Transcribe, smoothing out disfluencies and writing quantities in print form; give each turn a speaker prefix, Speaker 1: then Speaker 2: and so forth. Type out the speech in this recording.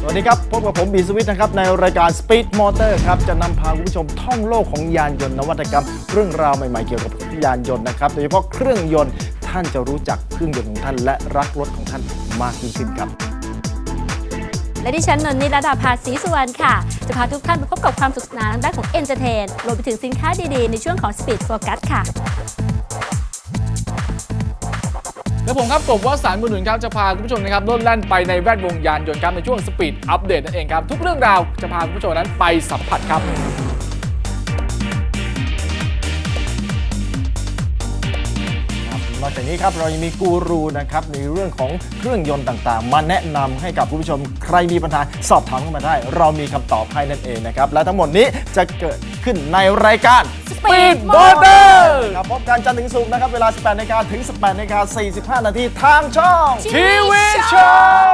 Speaker 1: วัสดีครับพบกับผมบีสวิทนะครับในรายการ Speed Motor ครับจะนำพาคุณผู้ชมท่องโลกของยานยนต์นวัตกรรมเรื่องราวใหม่ๆเกี่ยวกับยานยนต์นะครับโดยเฉพาะเครื่องยนต์ท่านจะรู้จักเครื่องยนต์ของท่านและรักรถของท่านมากยิ่งขึ้นครับ
Speaker 2: และดิฉันนนท์นิรดาภาศรีสุวรรณค่ะจะพาทุกท่านไปพบกับความสนุกสนานทางด้านของเอนเตอร์เทนรวมไปถึงสินค้าดีๆในช่วงของ Speed Focus ค่ะ
Speaker 3: และผมครับกบวสันต์บุญหนุนครับจะพาคุณผู้ชมนะครับโลดแล่นไปในแวดวงยานยนต์ครับในช่วงสปีดอัปเดตนั่นเองครับทุกเรื่องราวจะพาคุณผู้ชมนั้นไปสัมผัสครับ
Speaker 1: นอกจากนี้ครับเรายังมีกูรูนะครับในเรื่องของเครื่องยนต์ต่างๆมาแนะนำให้กับคุณผู้ชมใครมีปัญหาสอบถามเข้ามาได้เรามีคำตอบให้นั่นเองนะครับและทั้งหมดนี้จะเกิดขึ้นในรายการ
Speaker 2: Speed
Speaker 1: Motor ครับพบกันจันทร์ถึงศุกร์นะครับเวลา 18 นาฬิกาถึง 18 นาฬิกา 45 นาทีทางช่อง
Speaker 3: ทีวีโชว์